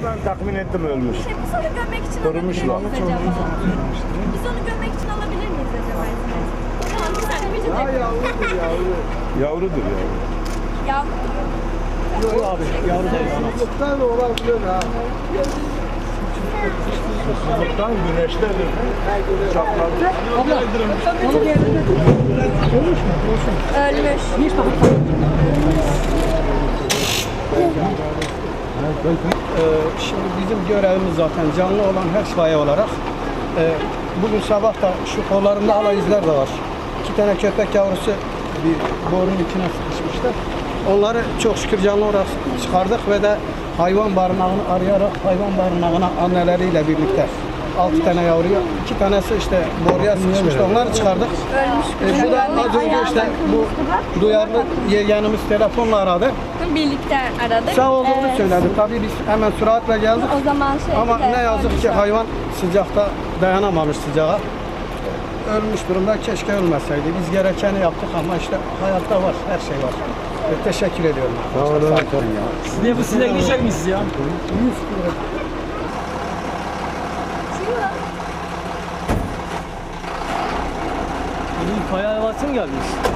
ben tahmin ettim ölmüş. Biz onu gömmek için Korumuşlar. alabilir miyiz acaba? Biz onu gömmek için alabilir miyiz acaba? Tamam bir saniye bir Ha yavrudur yavru. Yavrudur yavru. Yavru. Yok abi, yavru değil. Susuzluktan da olabilir ha. Susuzluktan güneştedir. Çaklarca. Abla, onu bir yerine götür. Ölmüş mü? Olsun. Ölmüş. Hiç bakın. Şimdi bizim görevimiz zaten canlı olan her itfaiye olarak bugün sabah da şu kollarında hala izler de var. 2 tane köpek yavrusu bir borunun içine sıkışmışlar. Onları çok şükür canlı olarak çıkardık ve de hayvan barınağını arayarak hayvan barınağına anneleriyle birlikte 6 tane yavruyu, 2 tanesi işte boruya sıkışmıştı. Onları çıkardık. Ölmüş. Bu da az önce işte bu duyarlı yeğenimiz telefonla aradı. Birlikte aradık. Sağ olduğunu söyledi. Tabii biz hemen süratle geldik. O zaman Ama ne yazık ki hayvan sıcakta dayanamamış sıcağa. Ölmüş durumda, keşke ölmeseydi. Biz gerekeni yaptık ama işte hayatta var, her şey var. Teşekkür ediyorum. Sağ olun. Siz de bu sinek düşecek misiniz ya? Bugün kaya havası mı gelmiş?